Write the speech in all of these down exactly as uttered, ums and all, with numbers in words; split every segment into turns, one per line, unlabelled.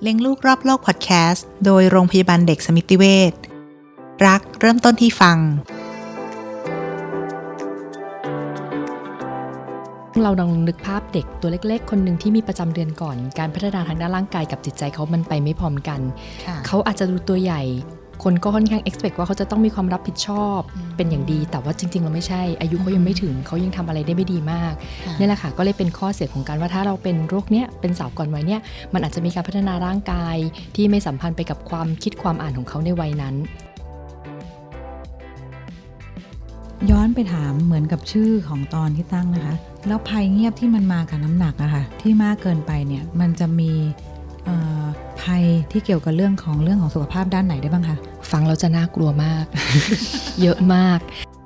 เลี้ยงลูกรอบโลกพอดแคสต์โดยโรงพยาบาลเด็กสมิติเวชรักเริ่มต้นที่ฟัง
เราลองนึกภาพเด็กตัวเล็กๆคนหนึ่งที่มีประจำเดือนก่อนการพัฒนาทางด้านร่างกายกับจิตใจเขามันไปไม่พร้อมกันเขาอาจจะดูตัวใหญ่คนก็ค่อนข้าง expect ว่าเขาจะต้องมีความรับผิดชอบเป็นอย่างดีแต่ว่าจริงๆเราไม่ใช่อายุเขายังไม่ถึงเขายังทำอะไรได้ไม่ดีมากนี่แหละค่ะก็เลยเป็นข้อเสียของการว่าถ้าเราเป็นโรคเนี้ยเป็นสาวก่อนวัยเนี้ยมันอาจจะมีการพัฒนาร่างกายที่ไม่สัมพันธ์ไปกับความคิดความอ่านของเขาในวัยนั้น
ย้อนไปถามเหมือนกับชื่อของตอนที่ตั้งนะคะแล้วภัยเงียบที่มันมากับน้ำหนักอะค่ะที่มากเกินไปเนี่ยมันจะมีภัยที่เกี่ยวกับเรื่องของเรื่องของสุขภาพด้านไหนได้บ้างคะ
ฟังแล้วจะน่ากลัวมาก เยอะมาก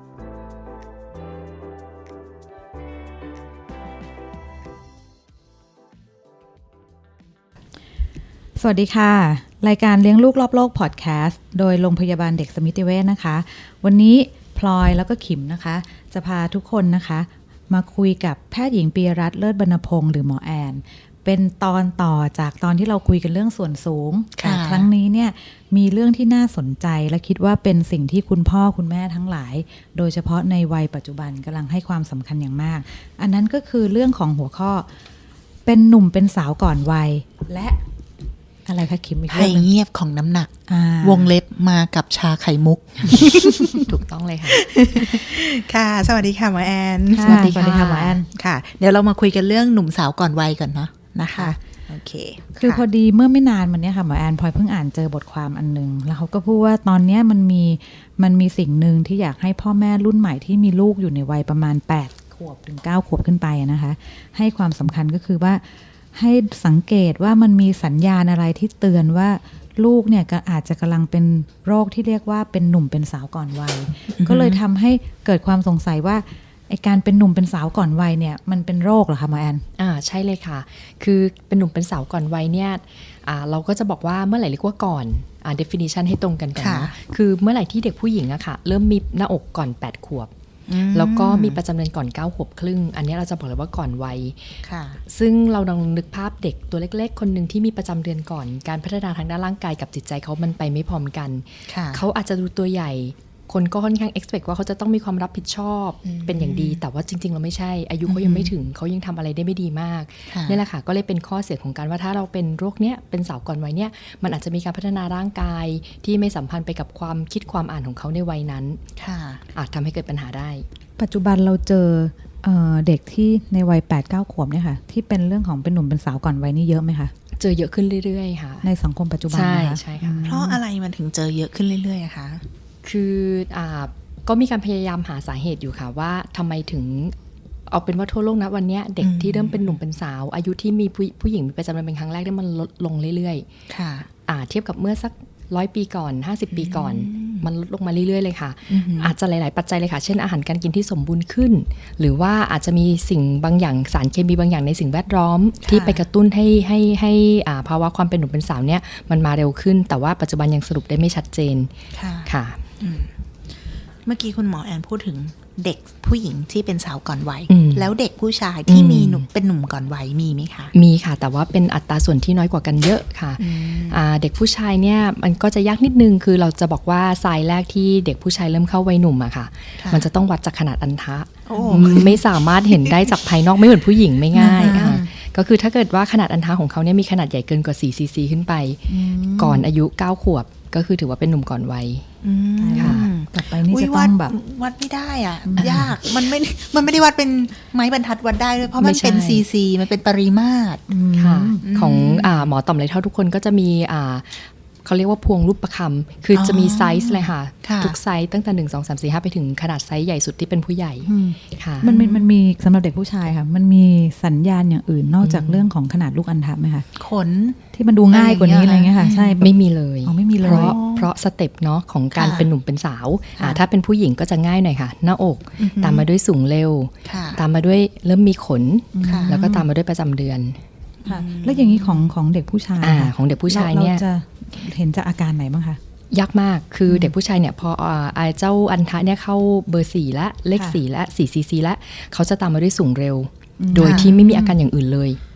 สวัสดีค่ะรายการเลี้ยงลูกรอบโลกพอดแคสต์โดยโรงพยาบาลเด็กสมิติเวชนะคะวันนี้พลอยแล้วก็ขิมนะคะจะพาทุกคนนะคะมาคุยกับแพทย์หญิงปียรัตน์เลิศบรรณพงศ์หรือหมอแอนเป็นตอนต่อจากตอนที่เราคุยกันเรื่องส่วนสูงแต่ครั้งนี้เนี่ยมีเรื่องที่น่าสนใจและคิดว่าเป็นสิ่งที่คุณพ่อคุณแม่ทั้งหลายโดยเฉพาะในวัยปัจจุบันกำลังให้ความสำคัญอย่างมากอันนั้นก็คือเรื่องของหัวข้อเป็นหนุ่มเป็นสาวก่อนวัยและอะไรคะคิมอีกเรื่องนึง
ภัยเงียบของน้ำหนักวงเล็บมากับชาไข่มุก
ถูกต้องเลยค่ะ
ค่ะสวัสดีค่ะหมอแอน
สวัสดีค่ะหมอแอน
ค่ะเดี๋ยวเรามาคุยกันเรื่องหนุ่มสาวก่อนวัยก่อนเนาะนะคะโอเค
คือพอดีเมื่อไม่นานมาเนี้ยค่ะหมอแอนพลอยเพิ่งอ่านเจอบทความอันนึงแล้วเขาก็พูดว่าตอนนี้มันมีมันมีสิ่งหนึ่งที่อยากให้พ่อแม่รุ่นใหม่ที่มีลูกอยู่ในวัยประมาณแปดขวบถึงเก้าขวบขึ้นไปนะคะให้ความสำคัญก็คือว่าให้สังเกตว่ามันมีสัญญาณอะไรที่เตือนว่าลูกเนี่ยก็อาจจะกำลังเป็นโรคที่เรียกว่าเป็นหนุ่มเป็นสาวก่อนวัย ก็เลยทำให้เกิดความสงสัยว่าไอ้การเป็นหนุ่มเป็นสาวก่อนวัยเนี่ยมันเป็นโรคเหรอคะหมอแอน
อ่าใช่เลยค่ะคือเป็นหนุ่มเป็นสาวก่อนวัยเนี่ยอ่าเราก็จะบอกว่าเมื่อไหร่เรียกว่าก่อนอ่า definition ให้ตรงกันกันนะคือเมื่อไหร่ที่เด็กผู้หญิงอะค่ะเริ่มมีหน้าอกก่อนแปดขวบแล้วก็มีประจำเดือนก่อนเก้าขวบครึ่งอันนี้เราจะบอกเลยว่าก่อนวัยซึ่งเราลองนึกภาพเด็กตัวเล็กๆคนหนึ่งที่มีประจำเดือนก่อนการพัฒนาทางด้านร่างกายกับจิตใจเขามันไปไม่พร้อมกันเขาอาจจะดูตัวใหญ่คนก็ค่อนข้าง expect ว่าเขาจะต้องมีความรับผิดชอบเป็นอย่างดีแต่ว่าจริงๆเราไม่ใช่อายุเขายังไม่ถึงเขายังทำอะไรได้ไม่ดีมากนี่แหละค่ะก็เลยเป็นข้อเสียของการว่าถ้าเราเป็นโรคเนี้ยเป็นสาวก่อนวัยเนี้ยมันอาจจะมีการพัฒนาร่างกายที่ไม่สัมพันธ์ไปกับความคิดความอ่านของเขาในวัยนั้นอาจทำให้เกิดปัญหาได้
ปัจจุบันเราเจอ เอ่อ เด็กที่ในวัย แปดเก้า ขวบเนี่ยค่ะที่เป็นเรื่องของเป็นหนุ่มเป็นสาวก่อนวัยนี่เยอะไหมคะ
เจอเยอะขึ้นเรื่อยๆค่ะ
ในสังคมปัจจุบันนะคะ
ใช่ค่ะ
เพราะอะไรมันถึงเจอเยอะขึ้นเรื่อยๆอะคะ
คืออ่าก็มีการพยายามหาสาเหตุอยู่ค่ะว่าทำไมถึงเอาเป็นว่าทั่วโลกนะวันนี้เด็กที่เริ่มเป็นหนุ่มเป็นสาวอายุที่มีผู้ผู้หญิงมีประจำเดือนเป็นครั้งแรกได้มันลดลงเรื่อยๆค่ะอ่าเทียบกับเมื่อสักร้อยปีก่อนห้าสิบปีก่อนมันลดลงมาเรื่อยๆเลยค่ะอาจจะหลายๆปัจจัยเลยค่ะเช่นอาหารการกินที่สมบูรณ์ขึ้นหรือว่าอาจจะมีสิ่งบางอย่างสารเคมีบางอย่างในสิ่งแวดล้อมที่ไปกระตุ้นให้ให้ให้อ่าภาวะความเป็นหนุ่มเป็นสาวเนี่ยมันมาเร็วขึ้นแต่ว่าปัจจุบันยังสรุปได้ไม่ชัดเจนค่ะ
เมื่อกี้คุณหมอแอนพูดถึงเด็กผู้หญิงที่เป็นสาวก่อนวัยแล้วเด็กผู้ชายที่มีหนุ่มเป็นหนุ่มก่อนวัยมีไหมคะ
มีค่ะแต่ว่าเป็นอัตราส่วนที่น้อยกว่ากันเยอะค่ะเด็กผู้ชายเนี่ยมันก็จะยากนิดนึงคือเราจะบอกว่าทรายแรกที่เด็กผู้ชายเริ่มเข้าวัยหนุ่มอะค่ะมันจะต้องวัดจากขนาดอันทะไม่สามารถเห็นได้จากภายนอกไม่เหมือนผู้หญิงไม่ง่ายค่ะก็คือถ้าเกิดว่าขนาดอันทะของเขาเนี่ยมีขนาดใหญ่เกินกว่าสี่ซีซีขึ้นไปก่อนอายุเก้าขวบก็คือถือว่าเป็นหนุ่มก่อนวัย
ค่ะต่อไปนี่จะต้องแบบ
วัดไม่ได้อ่ะยากมันไม่มันไม่ได้วัดเป็นไม้บรรทัดวัดได้ด้วยเพราะมันเป็นซีซีมันเป็นปริมาตร
ค่ะของอ่าหมอต่อมไรเท่าทุกคนก็จะมีอ่าเขาเรียกว่าพวงรูปประคำคือจะมีไซส์เลยค่ะทุกไซส์ตั้งแต่หนึ่ง สอง สาม สี่ ห้าไปถึงขนาดไซส์ใหญ่สุดที่เป็นผู้ใหญ่
ค่ะมันมีมันมีสำหรับเด็กผู้ชายค่ะมันมีสัญญาณอย่างอื่นนอกจากเรื่องของขนาดลูกอัณฑะไหมคะ
ขน
ที่มันดูง่ายกว่านี้อะไรเงี้ยค่ะใช่
ไม่มีเลย
อ๋อไม่มีเลย
เพราะเพราะสเต็ปเนาะของการเป็นหนุ่มเป็นสาวถ้าเป็นผู้หญิงก็จะง่ายหน่อยค่ะหน้าอกตามมาด้วยสูงเร็วตามมาด้วยเริ่มมีขนแล้วก็ตามมาด้วยประจำเดือน
แล้วอย่างนี้ของของเด็กผู้ชาย
ของเด็กผู้ชายเนี่ย
เห็นจากอาการไหนบ้างคะ
ยากมากคือเด็กผู้ชายเนี่ยพออ่าเจ้าอันทะเนี่ยเข้าเบอร์สี่และเลขสี่และสี่ซีซีและเขาจะตามมาด้วยสูงเร็วโดยที่ไม่มีอาการอย่างอื่นเลย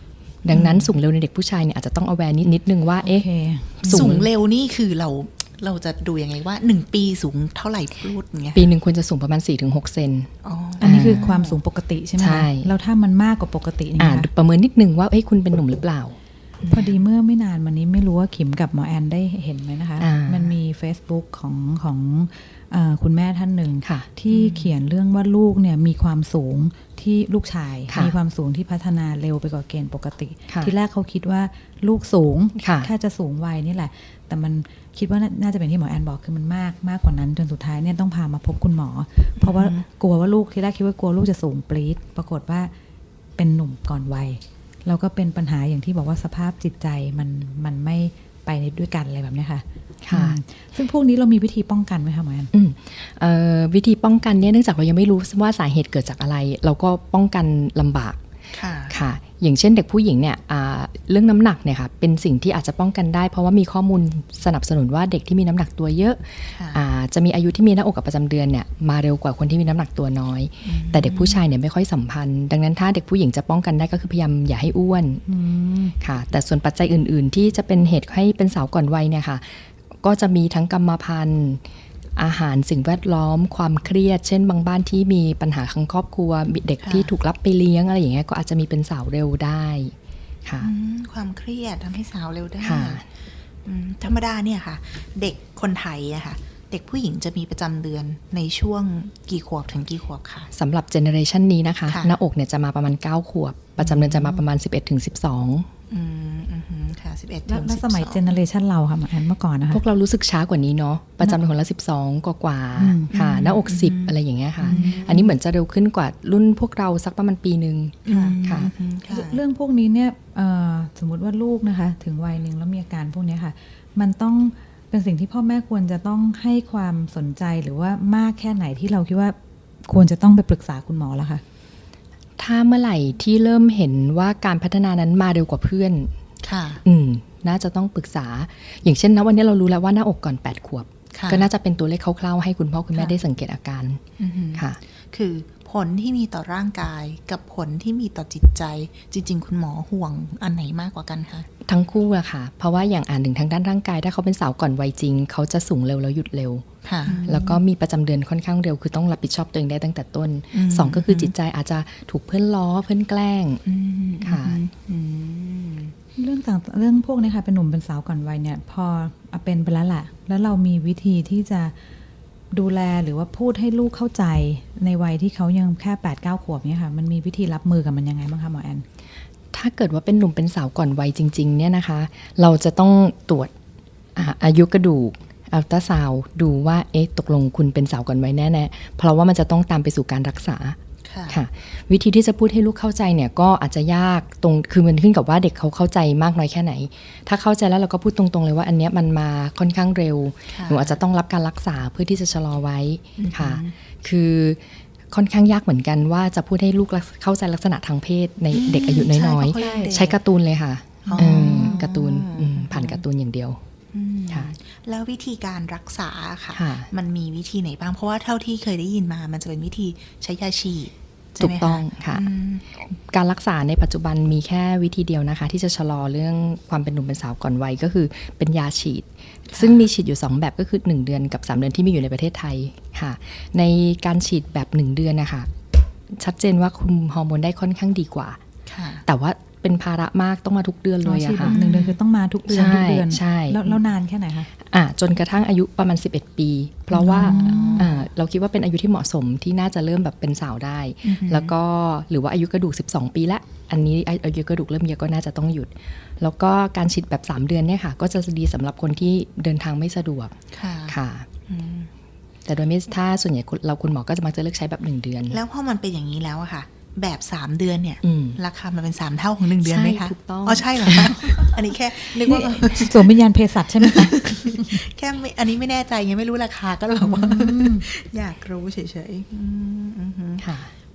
ดังนั้นสูงเร็วในเด็กผู้ชายเนี่ยอาจจะต้อง aware นิดนิดนึงว่าเอ๊ะ
สูงเร็วนี่คือเราเราจะดูยังไงว่าหนึ่งปีสูงเท่าไหร่พูดอย่างเงี้ย
ปีหนึ่งควรจะสูงประมาณ สี่ถึงหก เซน
อ๋อ
อันนี้คือความสูงปกติใช่ไหม
ใช่
แล้วถ้ามันมากกว่าปกตินี่
อ่า
คะ
ประเมินนิดนึงว่าเอ้ยคุณเป็นหนุ่มหรือเปล่า
พอดีเมื่อไม่นานมานี้ไม่รู้ว่าขิมกับหมอแอนได้เห็นไหมนะคะ
อ่ามั
มันมี Facebook ของของเออคุณแม่ท่านหนึ่ง
ค่ะ
ที่เขียนเรื่องว่าลูกเนี่ยมีความสูงที่ลูกชาย
ค่ะ
มีความสูงที่พัฒนาเร็วไปกว่าเกณฑ์ปกติ
ค่ะ
ที่แรกเขาคิดว่าลูกสูง
ค่ะ
แค่จะสูงวัยนี่แหละ แต่มันคิดว่าน่าน่าจะเป็นที่หมอแอนบอกคือมันมากมากกว่านั้นจนสุดท้ายเนี่ยต้องพามาพบคุณหมอ เพราะว่ากลัวว่าลูกที่แรกคิดว่ากลัวลูกจะสูงปรี๊ดปรากฏว่าเป็นหนุ่มก่อนวัยแล้วก็เป็นปัญหาอย่างที่บอกว่าสภาพจิตใจมันมันไม่ไปด้วยกันอะไรแบบเนี้ยค่ะ
ค่ะ
อืมซึ่งพวกนี้เรามีวิธีป้องกันไหมคะหมอแอน
อืมเอ่อวิธีป้องกันเนี่ยเนื่องจากเรายังไม่รู้ว่าสาเหตุเกิดจากอะไร เราก็ป้องกันลำบาก
ค่ะ
ค่ะ อย่างเช่นเด็กผู้หญิงเนี่ยอ่าเรื่องน้ำหนักเนี่ยค่ะเป็นสิ่งที่อาจจะป้องกันได้ เพราะว่ามีข้อมูลสนับสนุนว่าเด็กที่มีน้ำหนักตัวเยอะ
ค่ะ
อ่าจะมีอายุที่มีหน้าอกกับประจำเดือนเนี่ยมาเร็วกว่าคนที่มีน้ำหนักตัวน้อย แต่เด็กผู้ชายเนี่ยไม่ค่อยสัมพันธ์ ดังนั้นถ้าเด็กผู้หญิงจะป้องกันได้ก็คือพยายามอย่าให้อ้วน
อืม
ค่ะแต่ส่วนปัจจัยอื่นๆ ที่จะเป็นเหตุให้เป็นสาวก่อนวัยเนี่ยค่ะก็จะมีทั้งกรรมพันธุ์อาหารสิ่งแวดล้อมความเครียด เช่นบางบ้านที่มีปัญหาทางครอบครัวมีเด็ก
ค่ะ
ที่ถูกรับไปเลี้ยงอะไรอย่างเงี้ยก็อาจจะมีเป็นสาวเร็วได้ค่ะ
อืมความเครียดทำให้สาวเร็วได้
ค่ะ
อืมธรรมดาเนี่ยค่ะ เด็กคนไทยอะค่ะ เด็กผู้หญิงจะมีประจำเดือนในช่วงกี่ขวบถึงกี่ขวบคะ
สำหรับเจเนอเรชันนี้นะคะ
ค่ะ
หน้าอกเนี่ยจะมาประมาณเก้าขวบประจำเดือนจะมาประมาณ สิบเอ็ดถึงสิบสอง
อืมอืมฮึค่ะสิบเอ็ด
แล้
ถึ
ว
ง
แล้ว
สิบ
สมัย
สอง
เจเนอเรชันเราค่ะหมอแอนเมื่อก่อนนะคะ
พวกเรารู้สึกช้ากว่านี้เนาะประจำเดือนคนละสิบสองกว่าๆ
อืม
ค่ะหน้าอกสิบอะไรอย่างเงี้ยค่ะ อันนี้เหมือนจะเร็วขึ้นกว่ารุ่นพวกเราสักประมาณปีหนึ่ง
อืม
ค่ะ
อืมค่ะ
เรื่องพวกนี้เนี่ยเอ่อสมมติว่าลูกนะคะถึงวัยหนึ่งแล้วมีอาการพวกเนี้ยค่ะ มันต้องเป็นสิ่งที่พ่อแม่ควรจะต้องให้ความสนใจหรือว่ามากแค่ไหนที่เราคิดว่าควรจะต้องไปปรึกษาคุณหมอแล้วค่ะ
ถ้าเมื่อไหร่ที่เริ่มเห็นว่าการพัฒนานั้นมาเร็วกว่าเพื่อน
ค่ะ
อืมน่าจะต้องปรึกษา อย่างเช่นนะวันนี้เรารู้แล้วว่าหน้าอกก่อนแปดขวบ
ค่ะ
ก็น่าจะเป็นตัวเลขคร่าวๆให้คุณพ่อคุณแม่
ค่ะ
ได้สังเกตอาการ
อือฮึ
ค่ะ
คือผลที่มีต่อร่างกายกับผลที่มีต่อจิตใจ จริง ๆ คุณหมอห่วงอันไหนมากกว่ากันคะ
ทั้งคู่อะค่ะ เพราะว่าอย่างอ่านถึงทางด้านร่างกายถ้าเขาเป็นสาวก่อนวัยจริง เขาจะสูงเร็วแล้วหยุดเร็ว
ค่ะ
แล้วก็มีประจำเดือนค่อนข้างเร็วคือต้องรับผิดชอบตัวเองได้ตั้งแต่ต้น
อืม
สองก็คือจิตใจอาจจะถูกเพื่อนล้อเพื่อนแกล้ง
อืม
ค่ะ
อืม
เรื่องต่างเรื่องพวกนี้ค่ะเป็นหนุ่มเป็นสาวก่อนวัยเนี่ยพอเป็นไปแล้วแหละแล้วเรามีวิธีที่จะดูแลหรือว่าพูดให้ลูกเข้าใจในวัยที่เขายังแค่แปดเก้าขวบเนี่ยค่ะมันมีวิธีรับมือกับมันยังไงบ้างคะหมอแอน
ถ้าเกิดว่าเป็นหนุ่มเป็นสาวก่อนวัยจริงๆเนี่ยนะคะ เราจะต้องตรวจอ่าอายุกระดูกอัลตราซาวด์ดูว่าเอ๊ะตกลงคุณเป็นสาวก่อนวัยแน่ๆเพราะว่ามันจะต้องตามไปสู่การรักษา
ค่ะ
ค่ะวิธีที่จะพูดให้ลูกเข้าใจเนี่ยก็อาจจะยากตรงคือมันขึ้นกับว่าเด็กเขาเข้าใจมากน้อยแค่ไหน ถ้าเข้าใจแล้วเราก็พูดตรงๆเลยว่าอันเนี้ยมันมาค่อนข้างเร็ว
ค่ะ
หนูอาจจะต้องรับการรักษาเพื่อที่จะชะลอไว้ค่ะ คือค่อนข้างยากเหมือนกันว่าจะพูดให้ลูกเข้าใจลักษณะทางเพศในเด็กอายุน้อย
ใช่เพราะเขายังเด็ก
ๆใช้การ์ตูนเลยค่ะ
อ๋อ
เออการ์ตูนอืมผ่านการ์ตูนอย่างเดียว
อืม
ค่ะ
แล้ววิธีการรักษาค่ะ
ค่ะ
มันมีวิธีไหนบ้างเพราะว่าเท่าที่เคยได้ยินมามันจะเป็นวิธีใช้ยาฉีดใช่
ถู
ไหม
ก
คะ
ต้องค่ะ
อืม
การรักษาในปัจจุบันมีแค่วิธีเดียวนะคะ ที่จะชะลอเรื่องความเป็นหนุ่มเป็นสาวก่อนวัยก็คือเป็นยาฉีด ซึ่งมีฉีดอยู่สองแบบก็คือหนึ่งเดือนกับสามเดือนที่มีอยู่ในประเทศไทยค่ะ ในการฉีดแบบหนึ่งเดือนนะคะชัดเจนว่าคุมฮอร์โมนได้ค่อนข้างดีกว่า
ค่ะ
แต่ว่าเป็นภาระมากต้องมาทุกเดือนเลย
ฉีด
อะ
แบ
ค่ะ
บหนึ่งเดือนคือต้องมาทุกเดือน
ใช่
ทุกเดือน
ใช่
แล้วแล้วนานแค่ไหนคะ
อ่ะจนกระทั่งอายุประมาณสิบเอ็ดปี เพราะว่าอ่าเราคิดว่าเป็นอายุที่เหมาะสมที่น่าจะเริ่มแบบเป็นสาวได้
อือฮึ
แล้วก็หรือว่าอายุกระดูกสิบสองปีละอันนี้อายุกระดูกเริ่มเยอะก็น่าจะต้องหยุด แล้วก็การฉีดแบบสามเดือนเนี่ยค่ะก็จะดีสำหรับคนที่เดินทางไม่สะดวก
ค่ะ
ค่ะ
อืม
แต่โดยไม่ถ้าส่วนใหญ่เราคุณหมอก็จะมักจะเลือกใช้แบบหนึ่งเดือน
แล้วพอมันเป็นอย่างนี้แล้วอะค่ะ แบบสามเดือนเนี่ย
อืม
ราคามันเป็นสามเท่าของหนึ่งเดือนไหมคะ
ใช่ถูกต้อง
อ๋อใช่เหรอคะ อันนี้แค่นึกว่า
สวมวิญญาณเภสัชใช่ไหมคะ
แค่ไม่อันนี้ไม่แน่ใจยังไม่รู้ราคาก็เลยบอกว่า อยากรู้เฉยๆอืมอือฮึ
ค่ะ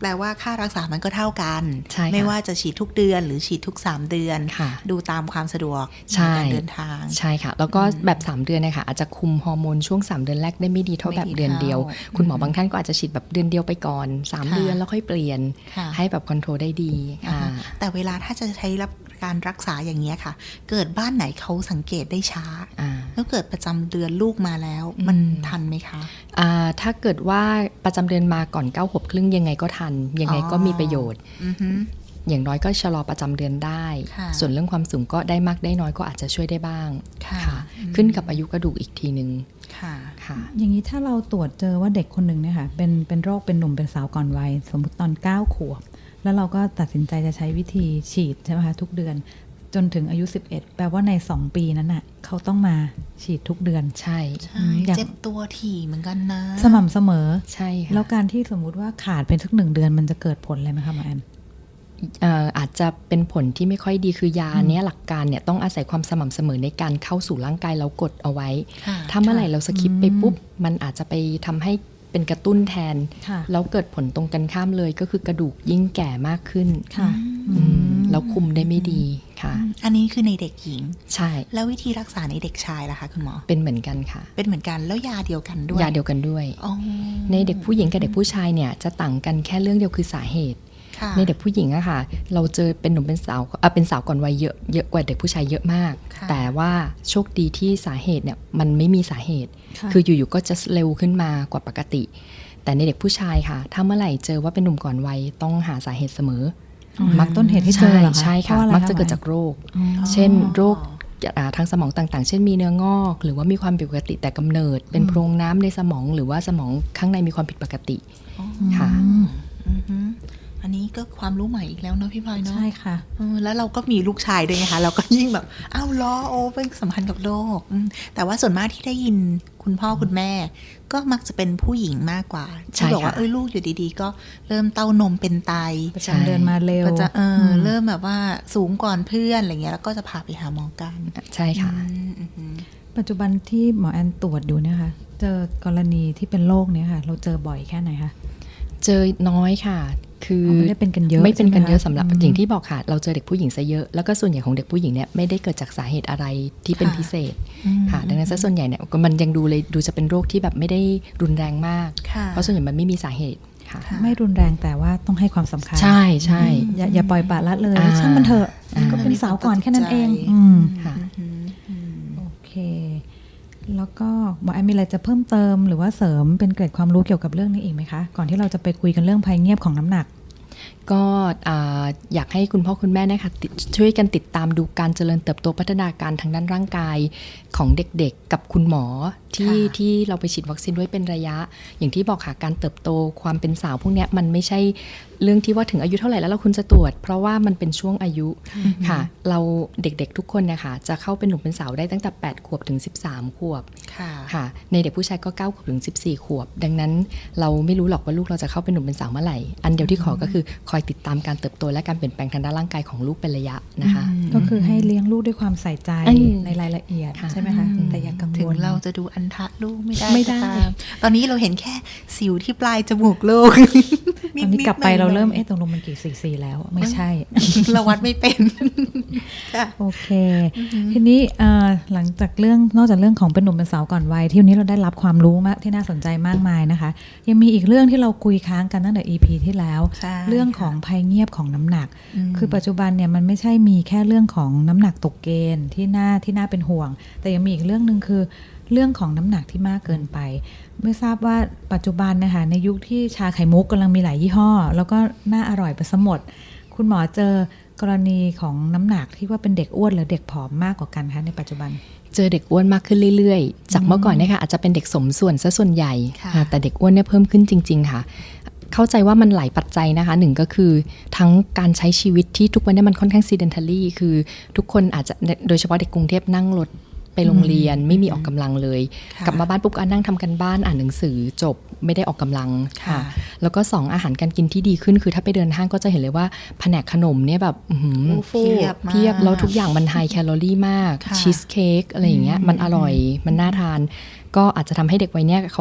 แปลว่าค่ารักษามันก็เท่ากัน
ใช่ค่ะ
ไม่ว่าจะฉีดทุกเดือนหรือฉีดทุกสามเดือน
ค่ะ
ดูตามความสะดวก
ใช่
ในการเดินทาง
ใช่ค่ะแล้วก็แบบสามเดือนเนยคะอาจจะคุมฮอร์โมนช่วงสามเดือนแรกได้ไม่ดีเท่า
ไม่
แบบ
ดี
เดือนเดียว
เท่า
คุณหมอบางท่านก็อาจจะฉีดแบบเดือนเดียวไปก่อนสาม
ค่ะ
เดือนแล้วค่อยเปลี่ยน
ค่ะ
ให้แบบคอนโทรลได้ดีค่ะ
อ่าแต่เวลาถ้าจะใช้รับการรักษาอย่างนี้ยค่ะ เกิดบ้านไหนเขาสังเกตได้ช้า
อ่า
แล้วเกิดประจำเดือนลูกมาแล้ว มัน
อืม
ทันไหมคะ
อ่าถ้าเกิดว่าประจำเดือนมาก่อนเก้าขวบครึ่งยังไงก็ทัน ยังไงก็มีประโยชน์
อือฮึ
อย่างน้อยก็ชะลอประจำเดือนได้
ค่ะ
ส่วนเรื่องความสูงก็ได้มากได้น้อยก็อาจจะช่วยได้บ้าง
ค่ะ
ค่ะ
อืม
ขึ้นกับอายุกระดูกอีกทีนึง
ค่ะ
ค่ะ
อย่างนี้ถ้าเราตรวจเจอว่าเด็กคนหนึ่งเนี่ยค่ะเป็นเป็นโรคเป็นหนุ่มเป็นสาวก่อนวัยสมมติตอนเก้าขวบแล้วเราก็ตัดสินใจจะใช้วิธีฉีดใช่ไหมคะทุกเดือนจนถึงอายุสิบเอ็ดแปลว่าในสองปีนั้นน่ะเขาต้องมาฉีดทุกเดือน
ใช่
ใช่
อืมอยาก
เจ็บตัวถี่เหมือนกันนะ
สม่ำเสมอ
ใช่ค่ะ
แล้วการที่สมมุติว่าขาดเป็นสักหนึ่งเดือนมันจะเกิดผลอะไรไหมคะหมอแอน
เอ่ออาจจะเป็นผลที่ไม่ค่อยดีคือยาเนี้ยหลักการเนี่ยต้องอาศัยความสม่ำเสมอในการเข้าสู่ร่างกายเรากดเอาไว้
ค่ะ
ถ้าเมื่อไหร่เราสคิปไป
อืม
ปุ๊บมันอาจจะไปทำให้เป็นกระตุ้นแทน
ค่ะ
แล้วเกิดผลตรงกันข้ามเลยก็คือกระดูกยิ่งแก่มากขึ้น
ค่ะ
อืมแล้วคุมได้ไม่ดีค่ะ
อันนี้คือในเด็กหญิง
ใช่
แล้ววิธีรักษาในเด็กชายล่ะคะคุณหมอ
เป็นเหมือนกันค่ะ
เป็นเหมือนกันแล้วยาเดียวกันด้วย
ยาเดียวกันด้วย
อ๋อ
ในเด็กผู้หญิงกับเด็กผู้ชายเนี่ยจะต่างกันแค่เรื่องเดียวคือสาเหตุ
ค่ะ
ในเด็กผู้หญิงอะค่ะ เราเจอเป็นหนุ่มเป็นสาวเอ่อเป็นสาวก่อนวัยเยอะเยอะกว่าเด็กผู้ชายเยอะมาก
ค่ะ
แต่ว่าโชคดีที่สาเหตุเนี่ยมันไม่มีสาเหตุ
ค่ะ
คืออยู่ๆก็จะเร็วขึ้นมากว่าปกติ แต่ในเด็กผู้ชายค่ะ ถ้าเมื่อไหร่เจอว่าเป็นหนุ่มก่อนวัยต้องหาสาเหตุเสมอ
มักต้นเหตุที่เจอเหรอคะ
ใช่ค่ะ
เพราอไร
มักจะเกิดจากโรค
อ๋อ
เช่นโรคอ่าทางสมองต่างๆ เช่นมีเนื้องอก หรือว่ามีความผิดปกติแต่กำเนิด เป็นโพรงน้ำในสมองหรือว่าสมองข้างในมีความผิดปกติ
อ๋อ
ค่ะ
อือฮึอันนี้ก็ความรู้ใหม่อีกแล้วเนาะพี่พลอยเนาะ
ใช่ค่ะ
เออแล้วเราก็มีลูกชายด้วยไงคะเราก็ยิ่งแบบอ้าวล้อโอ้เป็นสัมพันธ์กับโลกอืมแต่ว่าส่วนมากที่ได้ยินคุณพ่อคุณแม่ ก็มักจะเป็นผู้หญิงมากกว่า
ใช่
ที่บอกว่า
ค่ะ
เอ้ยลูกอยู่ดีๆ ก็เริ่มเต้านมเป็นไต
ประจำเดือนมาเร็ว
ก็จะเอออ
ม
เริ่มแบบว่าสูงก่อนเพื่อนอะไรเงี้ยแล้วก็จะพาไปหาหมอกัน
ใช่ค่ะ
อืมอือฮึ
ปัจจุบันที่หมอแอนตรวจอยู่เนี่ยค่ะ เจอกรณีที่เป็นโรคเนี้ยค่ะ เราเจอบ่อยแค่ไหนคะ
เจอน้อยค่ะ คือ
อไม่ได้เป็นกันเยอะ
ไม่เป็นกันเยอะ
ใช่
สำ
ไหม
หรับ
คะ
อย่างที่บอกค่ะ เราเจอเด็กผู้หญิงซะเยอะ แล้วก็ส่วนใหญ่ของเด็กผู้หญิงเนี่ยไม่ได้เกิดจากสาเหตุอะไรที่เป็นพิเศษค่ะ ดังนั้นซะส่วนใหญ่เนี่ยมันยังดูเลยดูจะเป็นโรคที่แบบไม่ได้รุนแรงมาก
ค่ะ
เพราะส่วนใหญ่มันไม่มีสาเหตุค่ะ
ค่ะ
ไม่รุนแรงแต่ว่าต้องให้ความสำคัญ
ใช่ใช่
อย่าอย่าปล่อยปละละเลย
อ่า
ช่างมันเถอะ
อ่า
ก็เป็นสาวก่อนแค่นั้นเอง
มีความตัดสินใจ
อืม
ค่ะ
อืมอืม
โอเค แล้วก็หมอแอนมีอะไรจะเพิ่มเติมหรือว่าเสริมเป็นเกร็ดความรู้เกี่ยวกับเรื่องนี้อีกไหมคะ ก่อนที่เราจะไปคุยกันเรื่องภัยเงียบของน้ำหนัก
ก็อ่าอยากให้คุณพ่อคุณแม่นะคะติดช่วยกันติดตามดูการเจริญเติบโตพัฒนาการทางด้านร่างกายของเด็กๆกับคุณหมอที่
ค่ะ
ที่เราไปฉีดวัคซีนด้วยเป็นระยะ อย่างที่บอกค่ะการเติบโตความเป็นสาวพวกเนี้ยมันไม่ใช่เรื่องที่ว่าถึงอายุเท่าไหร่แล้วเราคุณจะตรวจ เพราะว่ามันเป็นช่วงอายุค่ะ เราเด็กๆทุกคนนะคะจะเข้าเป็นหนุ่มเป็นสาวได้ตั้งแต่แปดขวบถึงสิบสามขวบ
ค่ะ
ค่ะในเด็กผู้ชายก็เก้าขวบถึงสิบสี่ขวบ ดังนั้นเราไม่รู้หรอกว่าลูกเราจะเข้าเป็นหนุ่มเป็นสาวเมื่อไหร่ อันเดียวที่ขอก็คือคอยติดตามการเติบโตและการเปลี่ยนแปลงทางด้านร่างกายของลูกเป็นระยะนะคะ
ก็คือให้เลี้ยงลูกด้วยความใส่ใจ
อืม
ในรายละเอียด
ค่ะ
ใช่ไหมคะ
อืม
แต่อย่ากัง
ถึ
ว
ง
ล
เราจะดูอันทะลูกไม่ได้
ไม่ได้
ก็ตามตอนนี้เราเห็นแค่สิวที่ปลายจมูกลูก
ตอนนี้กลับไป
ดๆหน่
เรา
อยๆ
เริ่มเอ๊ะตรงลงมันกี่ซีซีแล้วไม่ใช่
เราวัดไม่เป็นค่ะ
โอเค ทีนี้เอ่อหลังจากเรื่องนอกจากเรื่องของเป็นหนุ่มเป็นสาวก่อนวัยที่วันนี้เราได้รับความรู้มากที่น่าสนใจมากมายนะคะ ยังมีอีกเรื่องที่เราคุยค้างกันตั้งแต่ อี พี ที่แล้ว
ใช่
เรื่องของภัยเงียบของน้ำหนัก
ม
คือปัจจุบันเนี่ยมันไม่ใช่มีแค่เรื่องของน้ำหนักตกเกณฑ์ที่น่าที่น่าเป็นห่วง แต่ยังมีอีกเรื่องหนึ่งคือเรื่องของน้ำหนักที่มากเกินไป ไม่ทราบว่าปัจจุบันนะคะในยุคที่ชาไข่มุกกำลังมีหลายยี่ห้อ แล้วก็น่าอร่อยไปซะหมด คุณหมอเจอกรณีของน้ำหนักที่ว่าเป็นเด็กอ้วนหรือเด็กผอมมากกว่ากันคะในปัจจุบัน
เจอเด็กอ้วนมากขึ้นเรื่อยๆ จากเมื่อก่อนเนี่ยค่ะอาจจะเป็นเด็กสมส่วนซะส่วนใหญ่
ค่ะ
ค่ะแต่เด็กอ้วนเนี่ยเพิ่มขึ้นจริง ๆ ค่ะ เข้าใจว่ามันหลายปัจจัยนะคะหนึ่งก็คือทั้งการใช้ชีวิตที่ทุกวันนี้มันค่อนข้าง sedentary คือทุกคนอาจจะโดยเฉพาะเด็กกรุงเทพนั่งรถไปโรงเรียนไม่มีออกกำลังเลย
ค่ะ
กลับมาบ้านปุ๊บก็นั่งทำกันบ้านอ่านหนังสือจบไม่ได้ออกกำลัง
ค่ะ
แล้วก็สองอาหารการกินที่ดีขึ้นคือถ้าไปเดินห้างก็จะเห็นเลยว่าแผนกขนมเนี่ยแบบอื้อหือ
โอ้เพียบมาก
เพียบแล้วทุกอย่างมันไฮแคลอรี่มาก
ค่ะ
ชีสเค้กอะไรอย่างเงี้ยมันอร่อยมันน่าทาน ก็อาจจะทำให้เด็กวัยเนี้ยเขาได้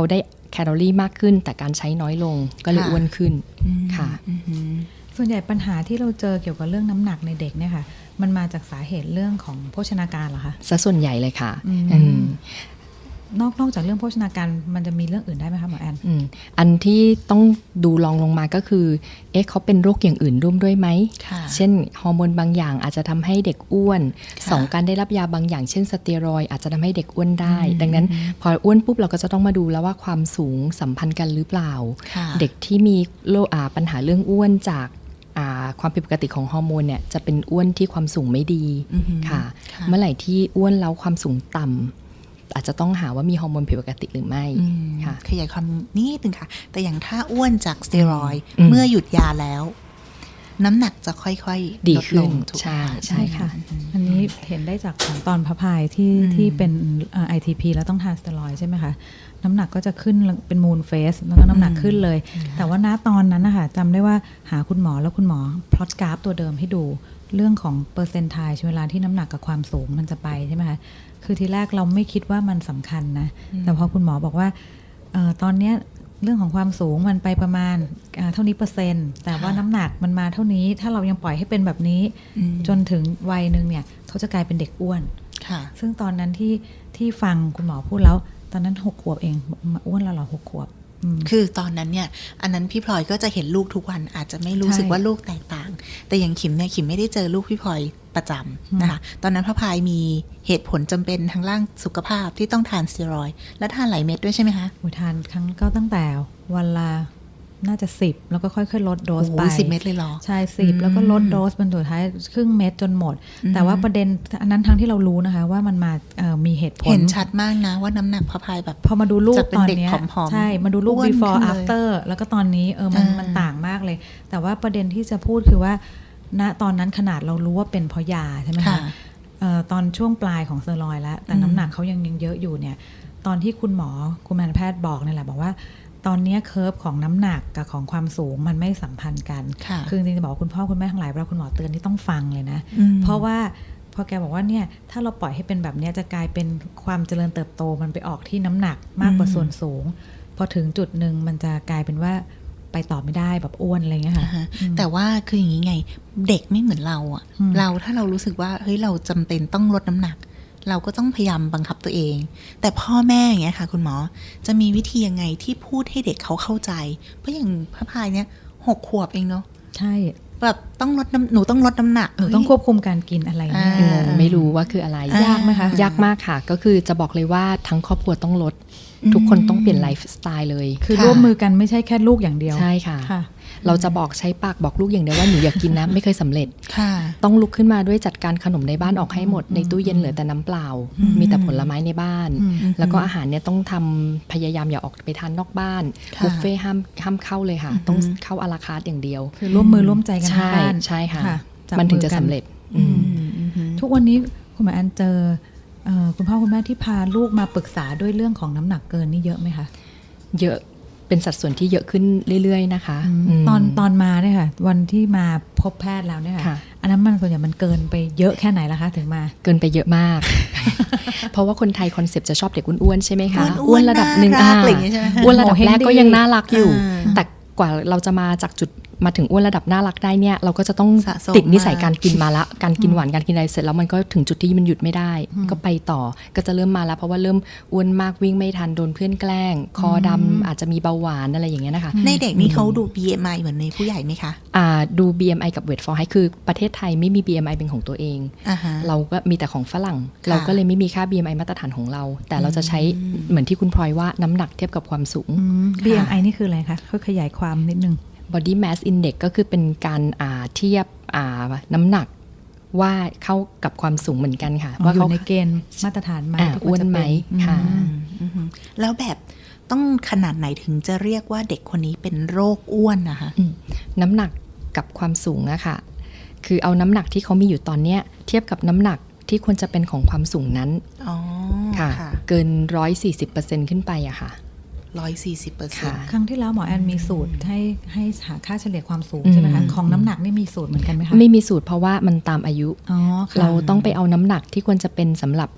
แคลอรี่มากขึ้นแต่การใช้น้อยลงก็เลย
ค่ะ
อ้วนขึ้น
อืม
ค่ะ
อือหือ
ส่วนใหญ่ปัญหาที่เราเจอเกี่ยวกับเรื่องน้ำหนักในเด็กเนี่ยค่ะมันมาจากสาเหตุเรื่องของโภชนาการเหรอคะ
ซะส่วนใหญ่เลยค่ะ
อืม
อืม
นอกนอกจากเรื่องโภชนาการมันจะมีเรื่องอื่นได้ไหมคะหมอแอน
อืมอันที่ต้องดูรองลงมาก็คือเอ๊ะเขาเป็นโรคอย่างอื่นร่วมด้วยไหม
ค่ะ
เช่นฮอร์โมนบางอย่างอาจจะทำให้เด็กอ้วน
ค่ะ
สองการได้รับยาบางอย่างเช่นสเตียรอยด์อาจจะทำให้เด็กอ้วนได้
อืม
ดังนั้นพออ้วนปุ๊บเราก็จะต้องมาดูแล้วว่าความสูงสัมพันธ์กันหรือเปล่า
ค่ะ
เด็กที่มีโรคอ่าปัญหาเรื่องอ้วนจากอ่าความผิดปกติของฮอร์โมนเนี่ยจะเป็นอ้วนที่ความสูงไม่ดี
อือหือ
ค่ะ
ค่ะ
เมื่อไหร่ที่อ้วนแล้วความสูงต่ำอาจจะต้องหาว่ามีฮอร์โมนผิดปกติหรือไม่
อืม
ค่ะ
ขยายความนิดนึงค่ะ แต่อย่างถ้าอ้วนจากสเตียรอยด์
อืม
เมื่อหยุดยาแล้ว น้ำหนักจะค่อยๆ
ดี
ลด
ขึ้
ล
น
งถูกไหม
ใช่
คะ
ใช่ค่ะ
อันนี้เห็นได้จากของตอนพระพายที่
อืม
ที่เป็นไอทีพีแล้วต้องทานสเตียรอยด์ใช่ไหมคะน้ำหนักก็จะขึ้นเป็นมูนเฟสแล้วก็น้ำหนักขึ้นเลย แต่ว่าณตอนนั้นนะคะจำได้ว่าหาคุณหมอแล้วคุณหมอพลอตกราฟตัวเดิมให้ดูเรื่องของเปอร์เซนต์ไทเวลาที่น้ำหนักกับความสูงมันจะไปใช่ไหมคะคือทีแรกเราไม่คิดว่ามันสำคัญนะแต่พอคุณหมอบอกว่าเออตอนเนี้ยเรื่องของความสูงมันไปประมาณอ่าเท่านี้เปอร์เซ็นต์แต่ว่า
ค่ะ
น้ำหนักมันมาเท่านี้ถ้าเรายังปล่อยให้เป็นแบบนี้
อืม
จนถึงวัยหนึ่งเนี่ยเขาจะกลายเป็นเด็กอ้วน
ค่ะ
ซึ่งตอนนั้นที่ที่ฟังคุณหมอพูดแล้ว ตอนนั้นหกขวบเองมาอ้วนแล้วเหรอหกขวบอืม
คือตอนนั้นเนี่ย อันนั้นพี่พลอยก็จะเห็นลูกทุกวันอาจจะไม่รู้สึก
ใช่
ว่าลูกแตกต่าง แต่อย่างขิมเนี่ยขิมไม่ได้เจอลูกพี่พลอยประจำนะคะ ตอนนั้นพระพายมีเหตุผลจำเป็นทางร่างสุขภาพที่ต้องทานสเตียรอยด์และทานหลายเม็ดด้วยใช่ไหมคะ
อุทานครั้งก็ตั้งแต่วันละน่าจะสิบแล้วก็ค่อยๆลดโด
โอ้
ส
โห
ไป
สิบเม็ดเลยเหรอ
ใช่สิบ
อืม
แล้วก็ลดโดสบนสุดท้ายครึ่งเม็ดจนหมด
อืม
แต่ว่าประเด็นอันนั้นทั้งที่เรารู้นะคะ ว่ามันมาเอ่อมีเหตุผล
เห็นชัดมากนะว่าน้ำหนักพระพายแบบ
พอมาดูรูป
จากเป็น
ตอน
เด็ก
เนี้ย
ผอมๆ
ใช่มาดูรูป
อ้วน
before
ขึ้นเลย
after แล้วก็ตอนนี้เออมัน
อ่ามั
มันต่างมากเลย แต่ว่าประเด็นที่จะพูดคือว่าณตอนนั้นขนาดเรารู้ว่าเป็นเพราะยาใช่ไหม
ค่ะ
คะเอ่อตอนช่วงปลายของสเตียรอยด์แล้ว แต่
อืม
น้ำหนักเขายังยังเยอะอยู่เนี่ย ตอนที่คุณหมอกุมารแพทย์บอกนี่แหละบอกว่า ตอนเนี้ยเคอร์ฟของน้ำหนักกับของความสูงมันไม่สัมพันธ์กัน
ค่ะ
คือจริงๆจะบอกว่าคุณพ่อคุณแม่ทั้งหลายเวลาคุณหมอเตือนที่ต้องฟังเลยนะ
อืม
เพราะว่าพอแกบอกว่าเนี่ยถ้าเราปล่อยให้เป็นแบบเนี้ยจะกลายเป็นความเจริญเติบโตมันไปออกที่น้ำหนักมากกว่า
อืม
ส่วนสูง พอถึงจุดหนึ่งมันจะกลายเป็นว่าไปต่อไม่ได้แบบอ้วนอะไรเงี้ยค่ะ
อ่าฮะแต่ว่าคืออย่างนี้ไง เด็กไม่เหมือนเราอะ
อืม
เราถ้าเรารู้สึกว่าเฮ้ยเราจำเป็นต้องลดน้ำหนัก เราก็ต้องพยายามบังคับตัวเอง แต่พ่อแม่อย่างเงี้ยค่ะ คุณหมอจะมีวิธียังไงที่พูดให้เด็กเขาเข้าใจ เพราะอย่างพระพายเนี่ยหกขวบเองเนาะ
ใช่
แบบต้องลดน้ำหนูต้องลดน้ำหนัก
หนูต้องควบคุมการกินอะไรเงี้ย
อ่า
งงไม่รู้ว่าคืออะไร
ยากไหมคะ
ยากมากค่ะ ก็คือจะบอกเลยว่าทั้งครอบครัวต้องลด ทุกคนต้องเปลี่ยนไลฟ์สไตล์เลย
คือ
ค่ะ
ร่วมมือกันไม่ใช่แค่ลูกอย่างเดียว
ใช่ค่ะ
ค่ะ
เราจะบอกใช้ปากบอกลูกอย่างเดียวว่าหนูอยากกินนะ ไม่เคยสำเร็จ
ค่ะ
ต้องลุกขึ้นมาด้วยจัดการขนมในบ้านออกให้หมดในตู้เย็นเหลือแต่น้ำเปล่า
อืม
มีแต่ผลไม้ในบ้าน
อืม
แล้วก็อาหารเนี่ยต้องทำพยายามอย่าออกไปทานนอกบ้าน
ค่ะ
บุฟเฟ่ต์ห้ามห้ามเข้าเลยค่ะ
อืม
ต้องเข้าอาราคาร์ทอย่างเดียว
คือร่วมมือร่วมใจกันทั้ง
ใช่
บ้าน
ใช่ค่ะ
จับ
มันถึงจะ
อกั
สำเร็จ
อืม
อืมอืมอืม
ทุกวันนี้คุณหมอแอนเจอเอ่อคุณพ่อคุณแม่ที่พาลูกมาปรึกษาด้วยเรื่องของน้ำหนักเกินนี่เยอะไหมคะ
เยอะเป็นสัดส่วนที่เยอะขึ้นเรื่อยๆนะคะม
ตอนตอนมาเนี่ยค่ะ วันที่มาพบแพทย์แล้วเนี่ยค่ะ
ค่ะ
อันนั้นมันส่วนใหญ่มันเกินไปเยอะแค่ไหนล่ะคะถึงมา
เกินไปเยอะมาก เพราะว่าคนไทยคอนเซปต์จะชอบเด็กอ้วนๆใช่ไหมคะ
อ้วนๆ
ระดับหนึ่ง
น่ารัก
อ่า
อะไรอย่างเงี้ยใช่ไหมคะ
อ้วนระดับแรกก็ยังน่ารักอยู่
อ่า
แต่กว่าเราจะมาจากจุดมาถึงอ้วนระดับน่ารักได้เนี่ยเราก็จะต้อง
สะสม
ติดนิสัย
มา
การกินมาละการกินหวานการกินอะไรเสร็จแล้วมันก็ถึงจุดที่มันหยุดไม่ได้ ก็ไปต่อก็จะเริ่มมาแล้วเพราะว่าเริ่มอ้วนมากวิ่งไม่ทันโดนเพื่อนแกล้ง คอดำอาจจะมีเบาหวานอะไรอย่างเงี้ยนะคะ
ในเด็กนี่เขาดู บี เอ็ม ไอ เหมือนในผู้ใหญ่ไหมคะ
อ่าดู บี เอ็ม ไอ กับ Weight for Height คือประเทศไทยไม่มี บี เอ็ม ไอ เป็นของตัวเอง
อ่าฮะ
เราก็มีแต่ของฝรั่ง
ค่ะ
เราก็เลยไม่มีค่า บี เอ็ม ไอ มาตรฐานของเรา แต่เราจะใช้
อืม
เหมือนที่คุณพลอยว่าน้ำหนักเทียบกับความสูง
บี เอ็ม ไอ นี่คืออะไรคะค่อยขยายความนิดนึง
body mass index ก็คือเป็นการอ่าเทียบอ่าน้ำหนักว่าเข้ากับความสูงเหมือนกันค่ะ
ว่า
ว่า
อยู่
เขา
ในเกณฑ์มาตรฐานไหม
อ่า
ที่ค
อ้
ว
ว
ร
น
จะ
ไหม
เป็น
ค่ะ
อืม
อืมแล้วแบบต้องขนาดไหนถึงจะเรียกว่าเด็กคนนี้เป็นโรคอ้วนนะคะ
อืมน้ำหนักกับความสูงอะค่ะ คือเอาน้ำหนักที่เขามีอยู่ตอนเนี้ยเทียบกับน้ำหนักที่ควรจะเป็นของความสูงนั้น
อ๋อ
ค่ะ
ค่ะ
เกินร้อยสี่สิบเปอร์เซ็นต์ขึ้นไปอะค่ะ
ร้อยสี่สิบเปอร์เซ็น
ค่ะ
ต์
ครั้งที่แล้วหมอแอนมีสูตรให้ให้หาค่าเฉลี่ยความสูง
อืม
ใช่ไหมคะของน้ำหนักนี่มีสูตรเหมือนกันไหมคะ
ไม่มีสูตรเพราะว่ามันตามอายุ
อ๋อค่ะ
เราต้องไปเอาน้ำหนักที่ควรจะเป็นสำหรับ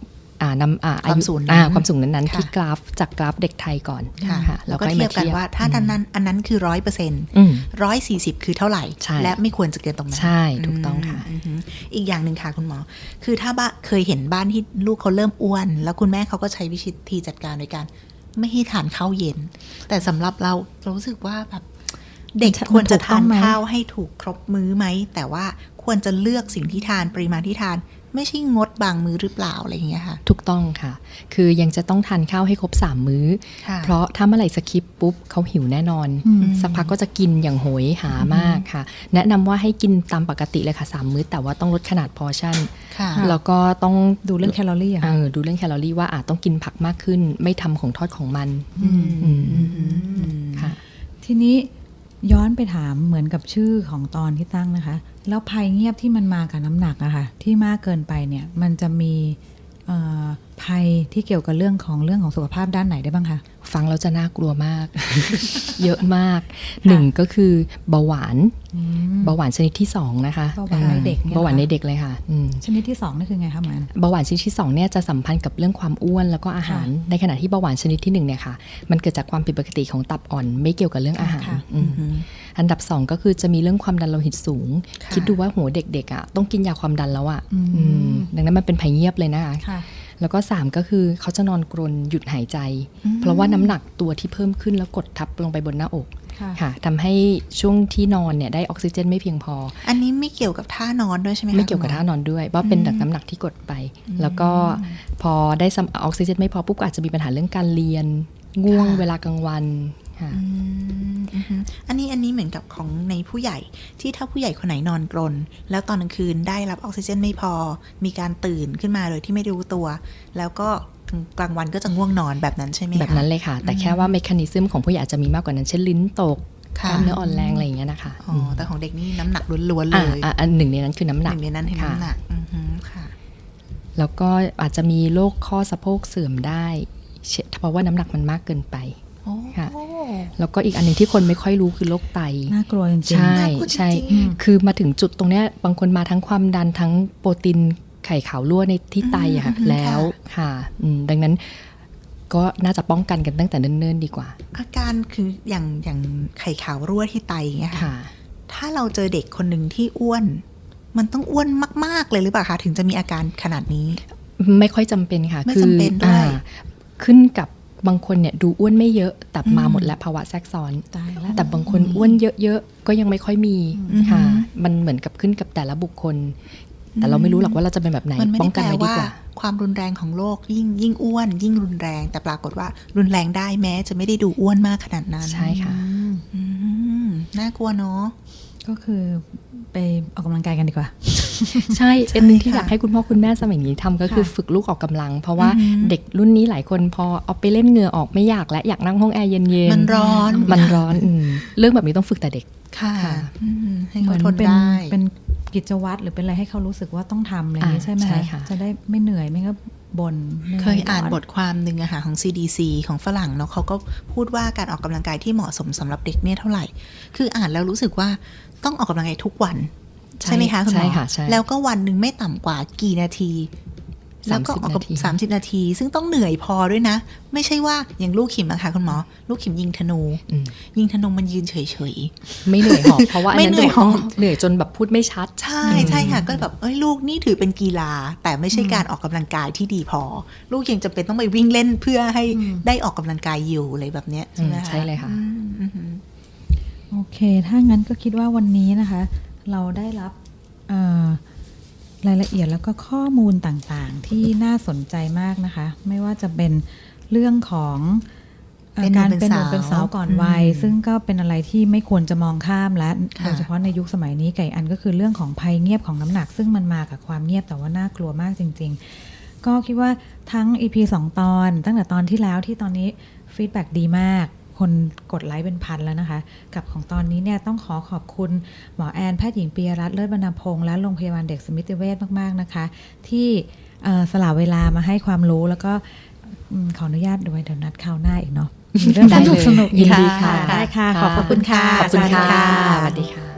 อ่านำอ่า
ความสูงนั้น
อ่าความสูงนั้นๆ
ค่ะ
ที่กราฟจากกราฟเด็กไทยก่อน
ค่ะ
ค่ะ
แล้วก็เทียบกันว่าถ้าดันนั้นอันนั้นคือร้อยเปอร์เซ็นต์
อืม
ร้อยสี่สิบคือเท่าไหร่
ใช่
และไม่ควรจะเกินตรงนั้น
ใช่ถูกต้องค่ะ
อืมอีกอย่างหนึ่งค่ะคุณหมอ คือถ้าบ้าเคยเห็นบ้านที่ลูกเขาเริ่มอ้วน แล้วคุณแม่เขาก็ใช้วิธีจัดการโดยการไม่ให้ทานข้าวเย็น แต่สำหรับเราเรารู้สึกว่าแบบเด็ก
มัน
ควรจะทาน
ถูกต้องไหม
ข้าวให้ถูกครบมื้อไหมแต่ว่าควรจะเลือกสิ่งที่ทานปริมาณที่ทาน ไม่ใช่งดบางมื้อหรือเปล่าอะไรอย่างเงี้ยค่ะ
ถูกต้องค่ะ คือยังจะต้องทานข้าวให้ครบสามมื้อ
ค่ะ
เพราะถ้าเมื่อไหร่สคิปปุ๊บเขาหิวแน่นอน
อืม
สักพักก็จะกินอย่างโหยหามากค่ะ แนะนำว่าให้กินตามปกติเลยค่ะสามมื้อแต่ว่าต้องลดขนาดพอร์ชั่น
ค่ะ
แล้วก็ต้อง
ดูเรื่องแคลอรี่อะ
เออดูเรื่องแคลอรี่ว่าอาจต้องกินผักมากขึ้น ไม่ทำของทอดของมัน
อืม
อืม
อืม
ค่ะ
ทีนี้ย้อนไปถามเหมือนกับชื่อของตอนที่ตั้งนะคะ แล้วภัยเงียบที่มันมากับน้ำหนักอะค่ะที่มากเกินไปเนี่ยมันจะมีเอ่อภัยที่เกี่ยวกับเรื่องของเรื่องของสุขภาพด้านไหนได้บ้างคะ
ฟังแล้วจะน่ากลัวมาก เยอะมากหนึ่งก็คือเบาหวาน เบาหวานชนิดที่สองนะคะ
เบาหวานในเด็กเนี่ย
เบาหวาน
เหรอ
ในเด็กเลยค่ะอืม
ชนิดที่สองนี่คือไงคะหมัน
เบาหวานชนิดที่สองเนี่ยจะสัมพันธ์กับเรื่องความอ้วนแล้วก็อาหาร
ค่ะ
ในขณะที่เบาหวานชนิดที่หนึ่งเนี่ยค่ะมันเกิดจากความผิดปกติของตับอ่อนไม่เกี่ยวกับเรื่องอาหาร
ค่ะ
อืมอันดับสองก็คือจะมีเรื่องความดันโลหิตสูง
ค่ะ
คิดดูว่าหัวเด็กๆอ่ะต้องกินยาความดันแล้วอ่ะ
อืม
อืมดังนั้นมันเป็นภัยเงียบเลยนะคะ
ค่ะ
แล้วก็สามก็คือเขาจะนอนกรนหยุดหายใจ เพราะว่าน้ำหนักตัวที่เพิ่มขึ้นแล้วกดทับลงไปบนหน้าอก
ค่ะ
ค่ะทำให้ช่วงที่นอนเนี่ยได้ออกซิเจนไม่เพียงพอ
อันนี้ไม่เกี่ยวกับท่านอนด้วยใช่ไหมคะ
ไม่เกี่ยวกับ
คุณห
ท่านอนด้วยว่าเป็นจากน้ำหนักที่กดไป แล้วก็พอได้ซัมออกซิเจนไม่พอปุ๊บก็อาจจะมีปัญหาเรื่องการเรียนง่วงเวลากลางวันค่ะ
อืมอือฮึอันนี้อันนี้เหมือนกับของในผู้ใหญ่ที่ถ้าผู้ใหญ่คนไหนนอนกรนแล้วตอนกลางคืนได้รับออกซิเจนไม่พอ มีการตื่นขึ้นมาโดยที่ไม่รู้ตัว แล้วก็กลางวันก็จะง่วงนอนแบบนั้นใช่ไหมคะ
แบบนั้นเลยค่ะ แต่แค่ว่าเมคานิซึมของผู้ใหญ่อาจจะมีมากกว่านั้นเช่นลิ้นตกก
ค่ะ
ล้ามเนื้ออ่อนแรงอะไรอย่างเงี้ยนะคะ
อ๋อแต่ของเด็กนี่น้ำหนักล้วนๆเล
อ่าย อ่าอันหนึ่งในนั้นคือน้ำห
ห
นัก
นึ่งในนั้นคือ
ค่ะ
น้ำหนักอือฮึค่ะ
แล้วก็อาจจะมีโรคข้อสะโพกเสื่อมได้เช่นเพราะว่าน้ำหนักมันมากเกินไป
โอ้
ค่ะ แล้วก็อีกอันหนึงที่คนไม่ค่อยรู้คือโรคไต
น่ากลัวจริงๆ
ใช่
น่ากลัวจริงๆ
ใช่คือมาถึงจุดตรงเนี้ยบางคนมาทั้งความดันทั้งโปรตีนไข่ขาวรั่วในที่ไตอะค่ะ
อืม
แล้วค่ะอืมดังนั้นก็น่าจะป้องกันกันตั้งแต่เนิ่นๆดีกว่า
อาการคืออย่างอย่างไข่ขาวรั่วที่ไตอย่างเงี้ยค่ะ
ค่ะ
ถ้าเราเจอเด็กคนหนึ่งที่อ้วน มันต้องอ้วนมาก ๆ เลยหรือเปล่าคะถึงจะมีอาการขนาดนี้
ไม่ค่อยจำเป็นค่ะ
ไม่
คือ
จำเป็นด้วย
อ่าขึ้นกับบางคนเนี่ยดูอ้วนไม่เยอะแต่มาหมดแล้วภาวะแทรกซ้อน
ตายแล้ว
แต่บางคนอ้วนเยอะๆก็ยังไม่ค่อยมี
อืม
ค่ะ มันเหมือนกับขึ้นกับแต่ละบุคคล แต่เราไม่รู้หรอกว่าเราจะเป็นแบบไหน
มันไม่
ป้อ
ได้
ง
แป
กัน
ล
ไว้ดี
ว่าก
ว่า
ความรุนแรงของโรคยิ่งยิ่งอ้วน ยิ่งรุนแรง แต่ปรากฏว่ารุนแรงได้แม้จะไม่ได้ดูอ้วนมากขนาดนั้น
ใช่ค่ะ
อืมน่ากลัวเนาะ
ก็คือไปออกกำลังกายกันดีกว่า
ใช่อันหนึงที่
ค่ะ
อยากให้คุณพ่อคุณแม่สมัยนี้ทำก็คือ
ค่ะ
ฝึกลูกออกกำลัง เพราะว่า
อือหือ
เด็กรุ่นนี้หลายคนพอเอาไปเล่นเหงื่อออกไม่อยากและอยากนั่งห้องแอร์เย็นๆ
มันร้อน
มันร้อนอืมเรื่องแบบนี้ต้องฝึกแต่เด็ก
ค่ะ
ค่ะ
อืมให้
เหมื
เขา
อน
ทน
เป็น
ได้
เป็นกิจวัตรหรือเป็นอะไรให้เขารู้สึกว่าต้องทำอะไรอย่างนี้
อ่า
ใช่ไหม
ใช่ค่ะ
จะได้ไม่เหนื่อยไม่ก็บ่นหนื่
เคยอ่าน
ร้
บทความหนึ่งอะค่ะของ ซี ดี ซี ของฝรั่งเนาะเขาก็พูดว่าการออกกำลังกายที่เหมาะสมสำหรับเด็กเนี่ยเท่าไหร่ คืออ่านแล้วรู้สึกว่าต้องออกกำลังกายทุกวัน
ใช่
ใช่ไหมคะคุณหมอ
ใช่ค่ะใช่
แล้วก็วันหนึ่งไม่ต่ำกว่ากี่นาที แล้วก็ออกกับ
นาที
สามสิบนาที ซึ่งต้องเหนื่อยพอด้วยนะ ไม่ใช่ว่าอย่างลูกขิมอะค่ะคุณหมอ ลูกขิมยิงธนู
อืม
ยิงธนูมันยืนเฉย
ไม่เหนื่อยหอบเพราะว่าอันนั้น
ไม่เหนื่อยหอบ
ต้องเหนื่อยจนแบบพูดไม่ชัด
ๆ ใช่ใช่ค่ะ ก็แบบเอ้ยลูกนี่ถือเป็นกีฬา แต่ไม่ใช่การออกกำลังกายที่ดีพอ ลูกยังจำเป็นต้องไปวิ่งเล่นเพื่อให้ได้ออกกำลังกายอยู่อะไรแบบเนี้ยใช่ไหม
อืม
คะ
ใช่เลยค่ะ
อืมอืมอืม
โอเค ถ้างั้นก็คิดว่าวันนี้นะคะ เราได้รับเอ่อรายละเอียดแล้วก็ข้อมูลต่างๆ ที่น่าสนใจมากนะคะ ไม่ว่าจะเป็นเรื่องของเอ่อ
เป็นหนุ่
การ
มเป็น
เป็นหนุ่ม
สาว
เป็นสาวก่อนวัย
อืม
ซึ่งก็เป็นอะไรที่ไม่ควรจะมองข้ามและ
ค่ะ
โดยเฉพาะในยุคสมัยนี้ไก่อันก็คือเรื่องของภัยเงียบของน้ำหนัก ซึ่งมันมากับความเงียบแต่ว่าน่ากลัวมากจริง ๆ ก็คิดว่าทั้ง อี พี สอง ตอน ตั้งแต่ตอนที่แล้วที่ตอนนี้ฟีดแบ็กดีมาก คนกดไลค์เป็นพันแล้วนะคะ กับของตอนนี้เนี่ยต้องขอขอบคุณหมอแอนแพทย์หญิงปียรัตน์เลิศบรรณพงษ์และโรงพยาบาลเด็กสมิติเวชมากๆนะคะ ที่เอ่อสละเวลามาให้ความรู้แล้วก็อืมขออนุญาตด้วยเดี๋ยวนัดคราวหน้าอีกเนาะมีเรื่อง
ได้
สนุ
เล
ก
ย
สนุกๆ
ยินดีค่ะ
ได้ค่ะ ขอบพระคุณค่ะ
ขอบคุณค่ะ
อาจารย์
สวัสดีค่ะ